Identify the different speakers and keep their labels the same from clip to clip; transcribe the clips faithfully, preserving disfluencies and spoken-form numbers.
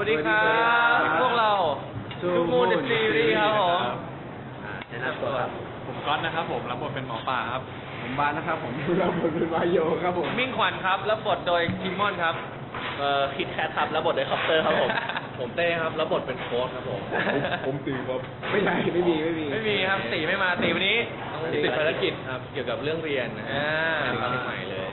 Speaker 1: วัสดีครับพวกเราทูมูนซีรีส์ครับผมแนะนำตัวครับ
Speaker 2: ผมก๊อตนะครับผมรับบทเป็นหมอป่าครับ
Speaker 3: ผมบานนะครับผมรับบทเป็นวายโยครับผม
Speaker 1: มิ่งขวัญครับรับบทโดยคิมมอนครับ
Speaker 4: เอ่อคิดแคทครับรับบทโดยคอปเตอร์ครับผมผมเต้ครับรับบทเป็นโค้ชครับผม
Speaker 3: ผมตีครับไม่ใช่ไม่มีไม่มี
Speaker 1: ไม่มีครับตีไม่มาตีวันนี้
Speaker 4: ติดภารกิจครับเกี่ยวกับเรื่องเรียนนะฮะถึงเชียงใหม่เลย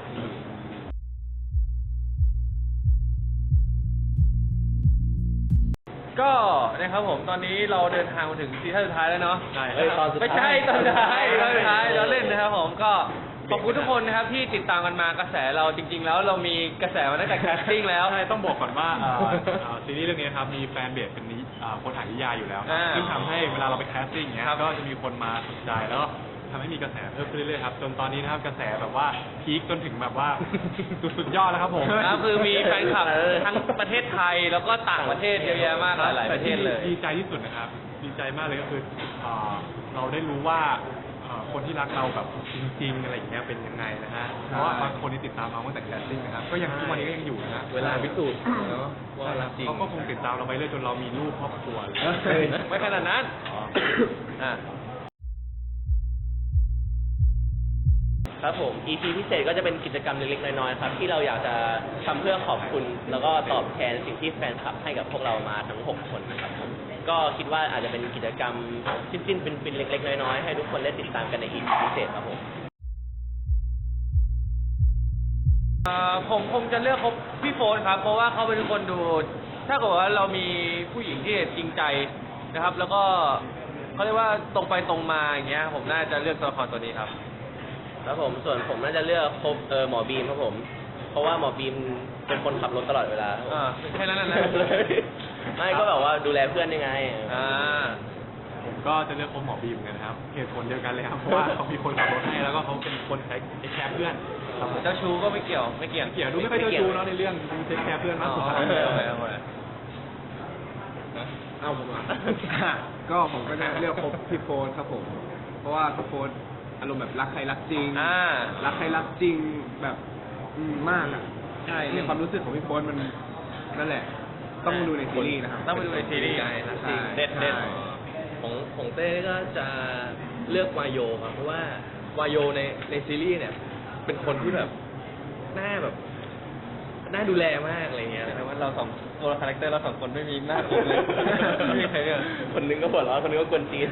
Speaker 1: ก็นะครับผมตอนนี้เราเดินทางมาถึงซีซั่นสุดท้ายแล้วเนาะ
Speaker 4: ใช่ตอนสุดท้าย
Speaker 1: ไม่ใช่ตอนสุดท้ายตอนสุดท้ายเราเล่นนะครับผมก็ขอบคุณทุกคนนะครับที่ติดตามกันมากระแสเราจริงๆแล้วเรามีกระแสมาตั้งแต่แคสติ้งแล้ว
Speaker 2: ใช่ต้องบอกก่อนว่าซีรีส์เรื่องนี้ครับมีแฟนเบสเป็นคนอ่านนิยายอยู่แล้วซึ่งทำให้เวลาเราไปแคสติ้งเนี้ยก็จะมีคนมาสนใจแล้วทำให้มีกระแสเพิ่มขึ้นเรื่อยๆครับจนตอนนี้นะครับกระแสแบบว่าพีคจนถึงแบบว่าสุดยอดแล้วครับผม
Speaker 1: ครับคือมีแฟนคลับทั้งประเทศไทยแล้วก็ต่างประเทศเยอะแยะมากหลายประเทศเลย
Speaker 2: ดีใจที่สุดนะครับดีใจมากเลยก็คือเราได้รู้ว่าคนที่รักเราแบบจริงๆอะไรอย่างเงี้ยเป็นยังไงนะฮะเพราะว่าบางคนที่ติดตามเราตั้งแต่แคสติ้งนะครับก็ยังทุกวันนี้ก็ยังอยู่นะ
Speaker 4: เวลาพิสูจน์เนาะว่ารักจริง
Speaker 2: เขาก็คงติดตามเราไปเรื่อยจนเรามีลูกครอบครัว
Speaker 1: ไม่ขนาดนั้นอ่า
Speaker 4: ครับผม อี พี พิเศษก็จะเป็นกิจกรรมเล็กๆน้อยๆครับที่เราอยากจะทำเพื่อขอบคุณแล้วก็ตอบแทนสิ่งที่แฟนคลับให้กับพวกเรามาทั้งหกคนนะครับผมก็คิดว่าอาจจะเป็นกิจกรรมสิ้นๆเป็นๆเล็กๆน้อยๆให้ทุกคนได้ติดตามกันใน อี พี พิเศษครับผม
Speaker 1: ผมคงจะเลือกคบพี่โฟนครับเพราะว่าเขาเป็นคนดูถ้าเกิดว่าเรามีผู้หญิงที่จริงใจนะครับแล้วก็เขาเรียกว่าตรงไปตรงมาอย่างเงี้ยผมน่าจะเลือกตัวละครตัวนี้ครับ
Speaker 4: ครับผมส่วนผมน่าจะเลือกคบเออหมอบีมครับผมเพราะว่าหมอบีมเป็นคนขับรถตลอดเวลา
Speaker 1: อ่าแค่นั้นนะ
Speaker 4: ไม่ก็แบบว่าดูแลเพื่อนยังไง
Speaker 1: อ่า
Speaker 2: ผมก็จะเลือกคบหมอบีมเหมือนกันครับเหตุผลเดียวกันเลยครับเพราะว่าเขามีคนขับรถให้แล้วก็เขาเป็นคนใช้แคร์เพื่อน
Speaker 1: เจ้าชู้ก็ไม่เกี่ยวไม่เกี่ยว
Speaker 2: เกี่ยวดูไม่ค่อยเจ้าชู้เนาะในเรื่องดูเทคแคร์เพื่อนมากสุด
Speaker 1: เอาไปเอาไป
Speaker 3: เอาผมอ่ะก็ผมก็จะเลือกคบพี่โฟนครับผมเพราะว่าพี่โฟนอารมณ์แบบรักใครรักจริงรักใครรักจริงแบบมากอ่ะใช่ในความรู้สึกของพี่โฟนมันนั่นแหละต้องมาดูในซีรีส์นะครับ
Speaker 1: ต้องมาดูในซีรีส์
Speaker 4: จริงเด็ดเด็ดของของเต้ก็จะเลือกวายโยครับเพราะว่าวายโยในในซีรีส์เนี่ยเป็นคนที่แบบหน้าแบบน่าดูแลมากอะไรเงี้ย
Speaker 1: แต่ว่าเราสองตัวคาแรคเตอร์เราสองคนไม่มีหน้าผมเลยไม่มีใครเลย
Speaker 4: คนนึงก็หัวเราะคนนึงก็กวนตีน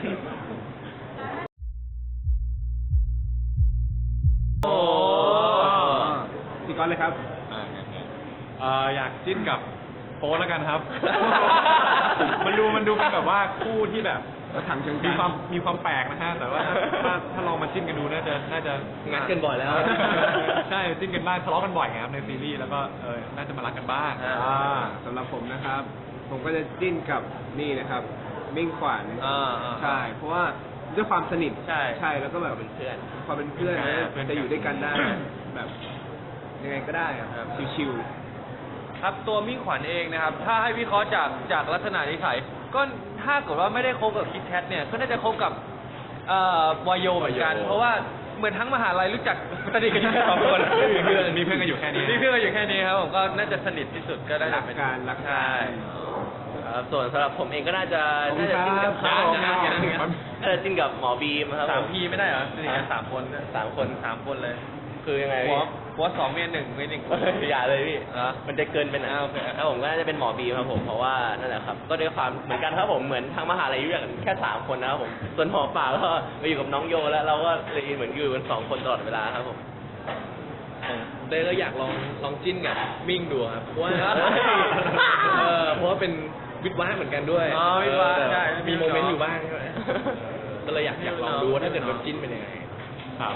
Speaker 1: โอ้
Speaker 3: พี่ก้อนเลยครับ
Speaker 2: อยากจิ้นกับโป๊แล้วกันครับมันดูมันดูเป็นแบบว่าคู่ที่แบบ
Speaker 3: ถังเชิง
Speaker 2: มีความมีความแปลกนะฮะแต่ว่าถ้าถ้าลองมาจิ้นกันดูน่าจะน่าจะ
Speaker 4: งัดกันบ่อยแล้ว
Speaker 2: ใช่จิ้นกันบ้างทะเลาะกันบ่อยครับในซีรีส์แล้วก็เออน่าจะมารักกันบ้าง
Speaker 3: อ่าสำหรับผมนะครับ ผมก็จะจิ้นกับนี่นะครับมิ่งขวัญใช่เพราะว่าด้วยความสนิท
Speaker 1: ใช่
Speaker 3: ใช่แล้วก็แบบ
Speaker 4: เป็นเพื่อน
Speaker 3: ความเป็นเพื่อนจะอยู่ด้วยกันได้แบบยังไงก็ได้ครับชิว
Speaker 1: ๆครับตัวมิ่งขวัญเองนะครับถ้าให้วิเคราะห์จากจากลักษณะนิสัยก็ถ้าเกิดว่าไม่ได้คบกับคิดแคทเนี่ยก็น่าจะคบกับเอ่อวายโยเหมือนกันเพราะว่าเหมือนทั้งมหาลัยรู้จักสนิทกันแค่สองคน
Speaker 2: มีเพื่อนมีเพื่อนกันอยู่แค่นี้
Speaker 1: มีเพื่อนกันอยู่แค่นี้ครับผมก็น่าจะสนิทที่สุดก็ได้
Speaker 3: เป็นการรัก
Speaker 1: ใช่
Speaker 4: ส่วนสำหรับผมเองก็น่าจะน่าจะจิ้นกับเขาน่าจะจิ้นกับหมอบีมครับ
Speaker 1: สามพีไม่ได้เหรอสนิทกันสามคน
Speaker 4: สามคน
Speaker 1: สามคนเลย
Speaker 4: คือยังไง
Speaker 1: หัวหัวสองเมียหนึ่งเมียหนึ่ง
Speaker 4: อย่าเลยพี่มันจะเกินไปนะถ้าผมก็น่าจะเป็นหมอบีครับผมเพราะว่านั่นแหละครับก็ด้วยความเหมือนกันครับผมเหมือนทางมหาลัยอยู่กันแค่สามคนนะครับผมส่วนหมอป่าก็มาอยู่กับน้องโยแล้วเราก็เลยเหมือนอยู่กันสองคนตลอดเวลาครับผมเต้ก็อยากลองลองจิ้นกับมิ่งดูครับเพราะว่าเออเพราะว่าเป็นวิทย์ว้าเหมือนกันด้วย
Speaker 1: อ๋อวิทย์ว้าใช่
Speaker 4: มีโมเมนต์อยู่บ้างใช่ไหมก็เลยอยากอยากลองดูว่าถ้าเกิดมันจิ้นเป็นยังไง
Speaker 2: ครับ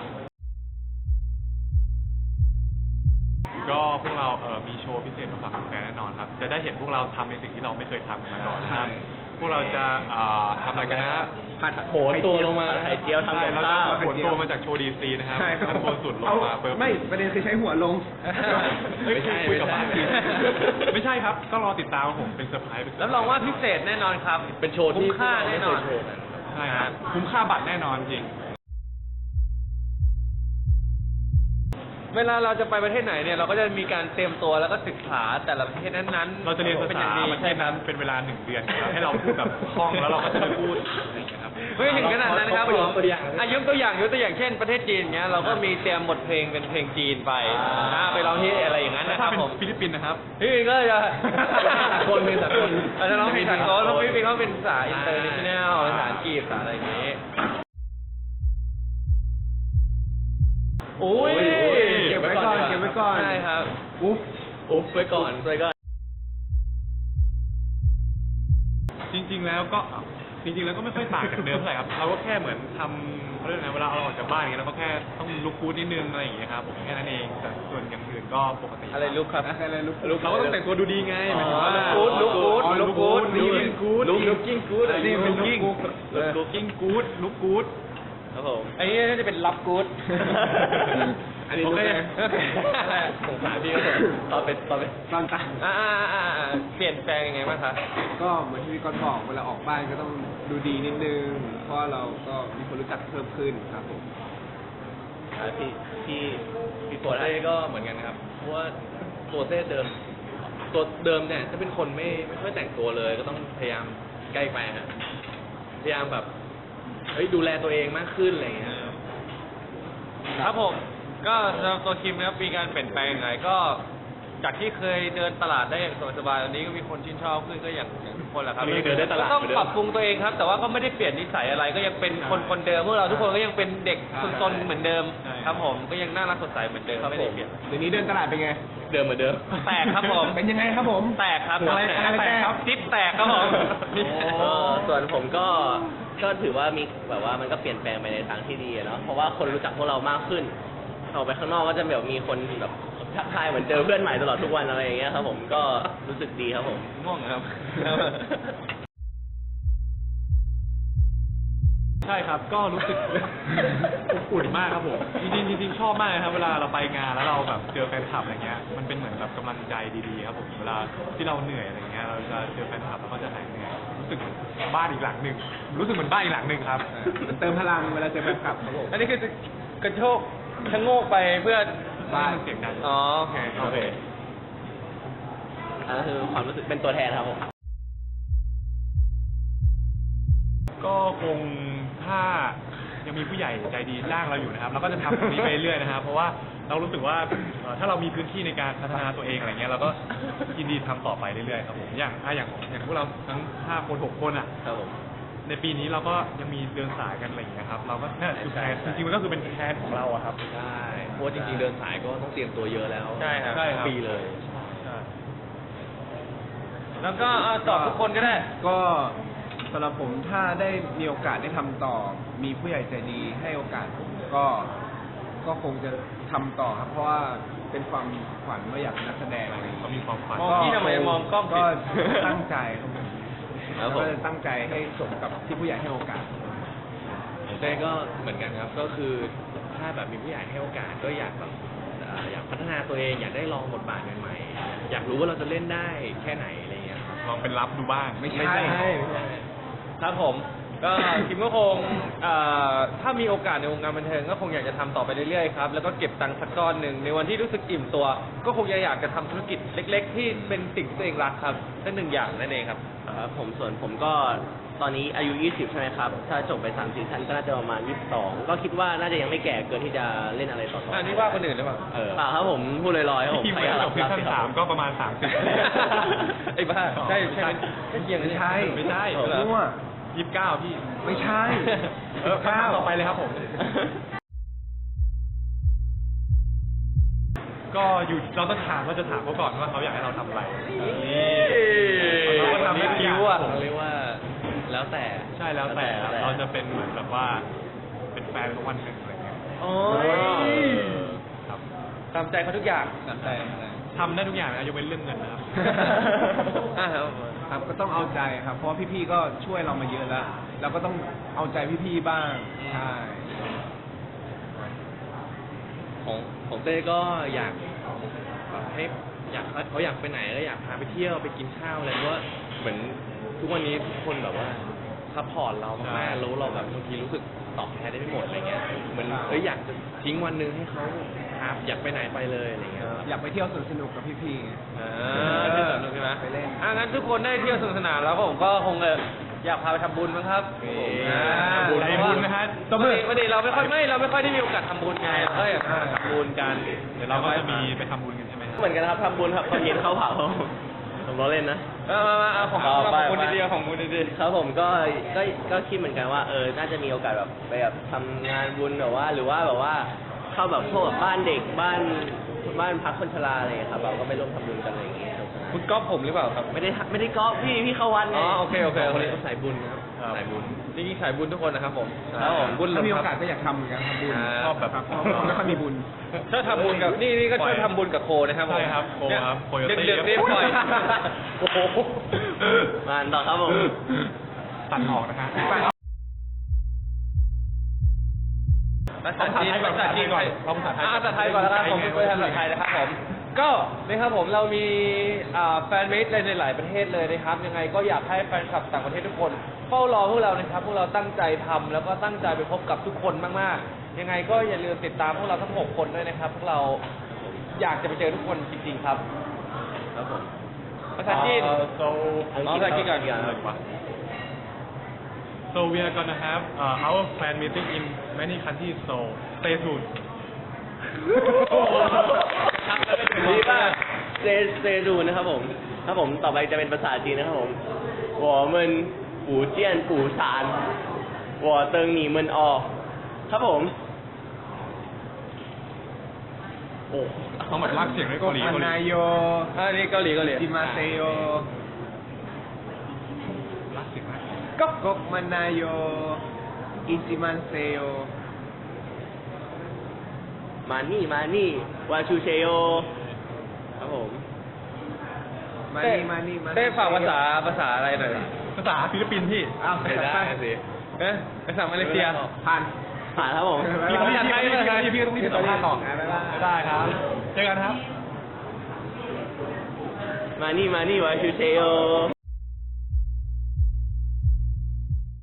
Speaker 2: ก็พวกเราเอ่อมีโชว์พิเศษมาฝากแฟนแน่นอนครับจะได้เห็นพวกเราทำในสิ่งที่เราไม่เคยทำมาก่อนนะครับพวกเราจะทำอะไรกันนะ
Speaker 3: ผัด
Speaker 4: โผล่ตัวลงมาไข่เจียวทำกับข้าว
Speaker 2: โผล่ตัวมาจากโชว์ดีซีนะครับทำโผล่สุดลงมา
Speaker 3: ไม่ประเด็นคือใช้หัวลง
Speaker 2: ไม่ใช่คุยกับบ้านไม่ใช่ครับก็รอติดตามผมเป็นเซอร์ไพรส์
Speaker 1: แล้วลองว่าพิเศษแน่นอนครับ
Speaker 4: เป็นโชว์ที่
Speaker 1: คุ้มค่าแน่นอน
Speaker 2: ใช่ครับคุ้มค่าบัตรแน่นอนจริง
Speaker 1: เวลาเราจะไปประเทศไหนเนี่ยเราก็จะมีการเตรียมตัวแล้วก็ศึกษาแต่ละประเทศนั้นๆ
Speaker 2: เราจะเรียนภา
Speaker 1: เป็นอ
Speaker 2: ษา
Speaker 1: ย่างดี
Speaker 2: ประเท
Speaker 1: ใช่
Speaker 2: ศ
Speaker 1: ครั
Speaker 2: นั้
Speaker 1: บ
Speaker 2: นเป็นเวลาหนึ่งเดือนครับให้เราพูดแบบคล่องแล้วเราก็จะได้พูดอะไรอย่างเงี้ยครับ
Speaker 1: ไม่ถึงขนาดนั้นครับผม
Speaker 3: ตัวอย่าง
Speaker 1: อ่ะยกตัวอย่างยกตัวอย่างเช่นประเทศจีนเงี้ยเราก็มีเตรียมบทเพลงเป็นเพลงจีนไปอ่าไปร้องที่อะไรอย่างนั้นนะค
Speaker 2: ถ้า
Speaker 1: รับ
Speaker 2: เป็น
Speaker 1: ผม
Speaker 2: ฟิลิปปินส์นะครับ
Speaker 1: พี่ปินก็จะ
Speaker 3: สากลเป็นสากล
Speaker 1: อาจจะร้องเพลงสากลแล้วพี่ปินเขาเป็นภาษาอินเตอร์เนชั่นแนลภาษาอังกฤษภาษาอะไรอย่างนี้โอ้ย
Speaker 3: เก็บไว้ก่อนเก็บไว้ก่อน
Speaker 1: ใช่ครับ
Speaker 3: อุ๊บ
Speaker 4: อุ๊บไว้ก่อนไว้ก่อน
Speaker 2: จริงๆแล้วก็จริงๆแล้วก็ไม่ค่อยต่างจากเดิมเท่าไหร่ครับเราก็แค่เหมือนทำเขาเรียกอะไรเวลาเราออกจากบ้านอย่างเงี้ยเราก็แค่ต้องลุกฟูดนิดนึงอะไรอย่างเงี้ยครับผมแค่นั้นเองแต่ส่วนอย่างอื่นก็ปกติ
Speaker 1: อะไรลุกครับ
Speaker 3: อะไรลุก
Speaker 2: ลุกเราก็ต้องแต่งตัวดูดีไงหมายถึงว่า
Speaker 1: อ๋อ look good
Speaker 3: อ๋อ
Speaker 1: look good
Speaker 2: looking good
Speaker 1: looking good
Speaker 2: นี่เป็น
Speaker 3: looking
Speaker 2: looking looking good look good
Speaker 4: ครับผม
Speaker 1: อันนี้น่าจะเป็นรับกู๊ด
Speaker 3: อันนี้
Speaker 2: โอ
Speaker 3: ลุก
Speaker 2: เค
Speaker 3: เลย
Speaker 4: สงสารพี่ก็เลยตอนเป็นตอนเป็น
Speaker 3: ตอนตา
Speaker 1: อ่าอ่าอ่าอ่าเปลี่ยนแปลงยังไงบ้างคะ
Speaker 3: ก็เหมือนที่พี่ก้อนบอกเวลาออกบ้านก็ต้องดูดีนิดนึง เพราะเราก็มีคนรู้จักเพิ่มขึ้นครับผม
Speaker 4: อ่าพี่พี่พี่โฟ
Speaker 5: ตัว
Speaker 4: ร์
Speaker 5: เต้ก็เหมือนกันนะครับ เพราะว่าตัวเต้เดิม ตัวเดิมเนี่ยจะเป็นคนไม่ไม่ค่อยแต่งตัวเลย ก็ต้องพยายามใกล้ไปฮะพยายามแบบเฮ้ยดูแลตัวเองมากขึ้นอะไรอย่างเงี้ย
Speaker 1: ครับผมก็สำหรับตัวคิมนะครับมีการเปลี่ยนแปลงยังไงก็จากที่เคยเดินตลาดได้อย่างสบายๆตอนนี้ก็มีคนชื่นชอบขึ้นก็อย่างอย่างทุกคนแหละครับ
Speaker 5: ตอนนี้เดินได้ตลาด
Speaker 1: ก็ต้อง
Speaker 5: เหมือนเดิม
Speaker 1: ปรับปรุงตัวเองครับ แต่ว่าก็ไม่ได้เปลี่ยนนิสัยอะไรก็ยังเป็นคนคนเดิมพวกเราทุกคนก็ยังเป็นเด็กซนๆเหมือนเดิม
Speaker 2: ใช่
Speaker 1: ครับผมก็ยังน่ารักสดใสเหมือนเดิมไม่ได้เปลี่ยน
Speaker 3: เดี๋ยวนี้เดินตลาดเป็นไง
Speaker 5: เดิมเหมือนเดิม
Speaker 1: แตกครับผม
Speaker 3: เป็นยังไงครับผม
Speaker 1: แตกครับ
Speaker 3: อะไรอะไรแตก
Speaker 1: ครับจิ๊บแตกครับผม
Speaker 4: เออส่วนผมก็ก็ถือว่ามีแบบว่ามันก็เปลี่ยนแปลงไปในทางที่ดีอะเนาะเพราะว่าคนรู้จักพวกเรามากขึ้นออกไปข้างนอกก็จะแบบมีคนแบบทักทายเหมือนเจอเพื่อนใหม่ตลอดทุกวันอะไรอย่างเงี้ยครับผมก็รู้สึกดีครับผม
Speaker 1: ง่วงครับ
Speaker 2: ใช่ครับ ก็รู้สึก อบอุ่นมากครับผม จริงๆจริงๆชอบมากเลยครับ เวลาเราไปงานแล้วเราแบบเจอแฟนคลับอะไรเงี้ย มันเป็นเหมือนแบบกำลังใจดีๆครับผม เวลาที่เราเหนื่อยอะไรเงี้ย เราจะเจอแฟนคลับแล้วก็จะหายเหนื่อย รู้สึกเหมือนบ้านอีกหลังหนึ่ง รู้สึกเหมือนบ้านอีกหลังหนึ่งครับ
Speaker 3: มันเติมพลังเวลาเจอแฟนคลับครับผม
Speaker 1: อันนี้คือกระโชกชะโงกไปเพื่อ
Speaker 2: บ้านเสียงดัง
Speaker 1: อ๋อโอเค
Speaker 4: โอเคอันนั้นคือความรู้สึกเป็นตัวแทนครับผม
Speaker 2: ก็คงถ้ายังมีผู้ใหญ่ใจดีจ้างเราอยู่นะครับเราก็จะทำตรงนี้ไปเรื่อยๆนะครับ เพราะว่าเรารู้สึกว่าเอ่อถ้าเรามีพื้นที่ในการพัฒนาตัวเองอะไรเงี้ยเราก็ยินดีทำต่อไปเรื่อยๆครับผมอย่างถ้าอย่างอย่างพวกเราทั้งห้าคนหกคนอ่ะ
Speaker 4: ครับผม
Speaker 2: ในปีนี้เราก็ยังมีเดินสายกันอะไรอย่างเงี้ยครับเราก็นั่นคือแพลนจริงๆมันก็คือเป็นแพลนของเราอะครับ
Speaker 5: ใช่เพราะว่าจริงๆเดินสายก็ต้องเตรียมตัวเยอะแล้ว
Speaker 1: ใช่ครับ
Speaker 2: ใช่ครับ
Speaker 5: ปีเลย
Speaker 2: ใช่
Speaker 1: แล้วก็เอาตอบทุกคนก็ได้
Speaker 3: ก็สำหรับผมถ้าได้มีโอกาสได้ทำต่อ มีผู้ใหญ่ใจดีให้โอกาสผมก็ก็คงจะทำต่อครับ เพราะว่าเป็นความฝันว่าอยากเป็นนักแสดงอะไรอย่าง
Speaker 2: เขา
Speaker 3: เงี้ย
Speaker 2: มีความฝัน
Speaker 1: มองพี่ทำไมมองกล้องผิด
Speaker 3: ก็ตั้งใจครับผม
Speaker 5: ครับผม
Speaker 3: ก็จะตั้งใจให้สมกับที่ผู้ใหญ่ให้โอกาส
Speaker 5: ของเต้ก็เหมือนกันครับ ก็คือถ้าแบบมีผู้ใหญ่ให้โอกาสก็อยากแบบเอ่ออยากพัฒนาตัวเอง อยากได้ลองบทบาทใหม่ๆ อยากรู้ว่าเราจะเล่นได้แค่ไหนอะไรเงี้ยครับ
Speaker 2: ลองเป็นรับดูบ้าง
Speaker 3: ไม่ใช่
Speaker 5: ไม่ใช่ไม่ใช่
Speaker 1: ครับผมก็คิมก็คงเอ่อถ้ามีโอกาสในวงการบันเทิงก็คงอยากจะทำต่อไปเรื่อยๆครับแล้วก็เก็บตังค์สักก้อนหนึ่งในวันที่รู้สึกอิ่มตัว ก็คงจะอยากจะทำธุรกิจเล็ก ๆ ที่เป็นสิ่งที่ตัวเองรักครับนั่นหนึ่งอย่างนั่นเองครับ
Speaker 4: ครับผมส่วนผมก็ตอนนี้อายุยี่สิบใช่ไหมครับ ถ้าจบไปสามซีซั่นก็น่าจะประมาณยี่สิบสองก็คิดว่าน่าจะยังไม่แก่เกินที่จะเล่นอะไรต่อๆ
Speaker 1: อันนี้ว่าคนอื่นหรือเปล่า
Speaker 5: เออ
Speaker 4: เปล่าครับผมพูดลอยๆครับผม
Speaker 2: ที่ทีม
Speaker 4: ใคร
Speaker 2: เวลา
Speaker 4: รั
Speaker 2: จบซีซั่น
Speaker 4: สิค
Speaker 2: สา
Speaker 4: รับ
Speaker 2: มก็ประมาณสามสิบ
Speaker 1: ไอ้บ้าใช่ใช่ใช่เกียงนะเนี่ย
Speaker 3: ไม่ใช่
Speaker 2: ไม่ใช่
Speaker 1: เหรอ
Speaker 3: มั่ว
Speaker 2: ยี่สิบเก้าพี่
Speaker 3: ไม่ใช่
Speaker 2: เออคำถามต่อไปเลยครับผม ก็อยู่เราต้องถามว่าจะถามเขาก่อนว่าเขาอยากให้เราทำอะไรนี่เราก็ทำได้ทุกอย่าง
Speaker 1: คิ้วอะ
Speaker 5: เขาเรียกว่าแล้วแต่
Speaker 2: ใช่แล้วแต่ครับ
Speaker 4: แล้วแต่
Speaker 2: เราจะเป็นเหมือนแบบว่าเป็นแฟนเขาวันหนึ่งอะไรเงี้ย
Speaker 1: โอ้ย
Speaker 2: ครับ
Speaker 1: ตามใจเขาทุกอย่าง
Speaker 3: ตามใจ
Speaker 2: ทำได้ทุกอย่างนะยกเว้นเรื่องเงินนะครับ
Speaker 1: อ่าครับ
Speaker 3: ครับก็ต้องเอาใจครับ เพราะว่าพี่ๆก็ช่วยเรามาเยอะแล้ว เราก็ต้องเอาใจพี่ๆบ้างใช่
Speaker 5: ของของเต้ก็อยากแบบให้อยากเขาอยากไปไหนก็อยากพาไปเที่ยวไปกินข้าวอะไรเพราะว่าเหมือนทุกวันนี้ทุกคนแบบว่าซัพพอร์ตเรามากๆรู้เราแบบบางทีรู้สึกตอบแทนได้ไม่หมดอะไรเงี้ยเหมือนเอ้ยอยากจะทิ้งวันหนึงให้เขาพา
Speaker 2: นะครับ
Speaker 5: อยากไปไหนไปเลยอะไรเงี้ยครับ
Speaker 3: อยากไปเที่ยวสวนสนุกกับพี่ๆไง
Speaker 1: อ่าที่สนุกใช่ไหม
Speaker 3: ไปเล่น
Speaker 1: อ่างั้นทุกคนได้เที่ยวสนุกสนานแล้วผมก็คงเอออยากพาไปทำบุญมั้งครับ
Speaker 2: อ่า
Speaker 1: อ่า
Speaker 2: บุญใจบุญนะฮะ
Speaker 1: ปกติปกติเราไม่ค่อยไม่เราไม่ค่อยได้มีโอกาสทำบุญไงเราก็อยากทำบุญกัน
Speaker 2: เดี๋ยวเราก็จะมีไปทำบุญกันใช่ไหมครับ
Speaker 4: เหมือนกันครับทำบุญครับตอนเย็นเข้าเผาผมล้อเล่นนะ
Speaker 1: มามามาเอาของ
Speaker 4: เอาไป
Speaker 1: ของบุญ
Speaker 4: ไป
Speaker 1: ดีๆของบุญดี
Speaker 4: ครับผมก็ก็ก็คิดเหมือนกันว่าเออน่าจะมีโอกาสแบบไปแบบทำงานบุญแบบว่า หรือว่าแบบว่าเข้าแบบพวกแบบบ้านเด็กบ้านบ้านพักคนชราอะไรอย่างเงี้ยครับเราก็ไปร่วมทำบุญกันอะไรอย่างเงี้ยครับ
Speaker 1: ๆคุณก๊อฟผมหรือเปล่าครับ
Speaker 4: ไม่ได้ไม่ได้ก๊อปพี่พี่เข้าวัดไง
Speaker 1: อ๋อโอเคโอเคโอ
Speaker 5: คน
Speaker 1: เค
Speaker 5: นี้ก็สายบุญนะครับ
Speaker 2: ครับ
Speaker 5: สายบุญ
Speaker 1: จริงๆสายบุญทุกคนนะครับผม
Speaker 4: ครับผม
Speaker 1: บุญหล
Speaker 3: ถ้าง มี
Speaker 1: ค
Speaker 3: โอ
Speaker 1: รับ
Speaker 3: กาสก็อยากทำเหมือนกันทำบุญ
Speaker 1: อ่า
Speaker 2: ชอบแบบ
Speaker 3: ครับเพราะผมไม่ค่อยมีบุญ
Speaker 1: ชอบทำบุญกับนี่นี่ก็ชอบทำบุญกับโคนะครับผม
Speaker 2: ใช่ครับโคครับโคโยตี้
Speaker 1: เด็กๆเรียกปล่อย
Speaker 4: โอ้โหมาต่อครับผม
Speaker 2: ตัดออกนะฮะ
Speaker 1: ภาษาจีน
Speaker 2: เอา
Speaker 1: ภาษาจีน
Speaker 2: ก่อนเอาภาษาไทยก่อน
Speaker 1: อ่ภาษาไทยก่อนแล้วกันผมเป็นตัวแทนภาษาไทยนะครับผม ก็นะครับผมเรามีอ่าแฟนมิตรในหลายประเทศเลยนะครับ ยังไงก็อยากให้แฟนคลับต่างประเทศทุกคนเฝ้ารอพวกเรานะครับ พวกเราตั้งใจทำแล้วก็ตั้งใจไปพบกับทุกคนมากๆ ยังไงก็อย่าลืมติดตามพวกเราทั้งหกคนด้วยนะครับ พวกเราอยากจะไปเจอทุกคนจริงๆครับ
Speaker 4: ครับผม
Speaker 1: ภาษาจีน
Speaker 2: Uh, so
Speaker 1: อ๋อภาษาจีนก่อน
Speaker 2: So we are gonna have uh, our fan meeting in many countries. So stay tuned.
Speaker 4: ดีมากเซเซดูนะครับผมครับผมต่อไปจะเป็นภาษาจีนนะครับผม我们福建釜山我等你们哦ครับผมโอ้
Speaker 2: ต้องแบบลากเสียงด้วยเกาหลี
Speaker 3: อั
Speaker 2: เกาน หลี
Speaker 3: นายโย
Speaker 1: อ่านี่เกาหลีเกาหลี
Speaker 3: จิมาเซโย
Speaker 2: ลากเสียงมาก
Speaker 3: ก๊กก๊กมันนายโยอิจิมันเซโย
Speaker 4: มานี่มานี่วาชูเชโยครับผม
Speaker 3: มา
Speaker 1: เต้
Speaker 3: นี่มานี่มา
Speaker 1: เต้ฝากภาษาภาษาอะไรหน่อย
Speaker 2: ภาษาฟิลิปปินส์พี่
Speaker 3: อ้าว
Speaker 5: ไม่ได้
Speaker 3: ไป
Speaker 5: สิ
Speaker 1: เอ๊ะภาษามาเลเซีย
Speaker 3: ผ่าน
Speaker 4: ผ่านครับผม
Speaker 2: พี่พี่พี่พี่พี่ต้องรีบสัมภาษณ์ต่อ
Speaker 3: บ๊ายบาย
Speaker 2: ได้ครับ เจอกันครับ
Speaker 4: มานี่มานี่วาชูเชโย